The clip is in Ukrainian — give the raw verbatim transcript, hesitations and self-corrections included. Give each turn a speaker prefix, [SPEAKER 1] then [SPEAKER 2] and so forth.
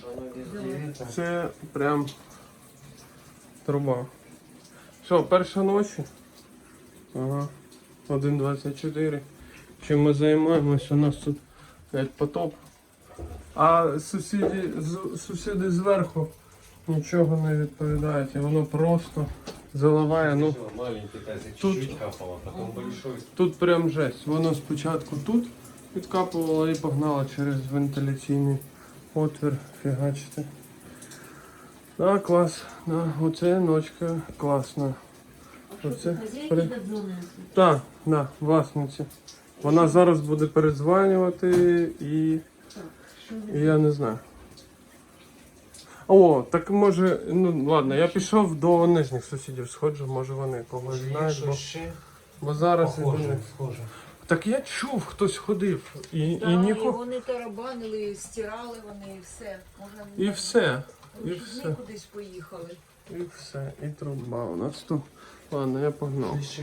[SPEAKER 1] Це прям труба. Що, перша ночі? Ага. один двадцять чотири. Чим ми займаємось? У нас тут як потоп. А сусіди, з- сусіди зверху нічого не відповідають. І воно просто заливає. Ну,
[SPEAKER 2] Маленький тазик,
[SPEAKER 1] тут-
[SPEAKER 2] чуть-чуть капало, потом большой.
[SPEAKER 1] тут прям жесть. Воно спочатку тут відкапувало і погнало через вентиляційний отвір. Фігачити. Да, клас. Да, оце ночка класна. Оце при- Так, да, власниці. Вона зараз буде передзванювати і, і я не знаю. О, так може, ну ладно, я пішов до нижніх сусідів, сходжу, може вони когось знають, бо, бо зараз іду
[SPEAKER 2] Похоже,
[SPEAKER 1] не-
[SPEAKER 2] схоже.
[SPEAKER 1] Так я чув, хтось ходив і,
[SPEAKER 3] Да,
[SPEAKER 1] і
[SPEAKER 3] і
[SPEAKER 1] нікого.
[SPEAKER 3] вони тарабанили, стирали вони і все. Можна
[SPEAKER 1] І все. І
[SPEAKER 3] Вони
[SPEAKER 1] все.
[SPEAKER 3] кудись поїхали.
[SPEAKER 1] І все. І труба у нас тут. Ладно, я погнав.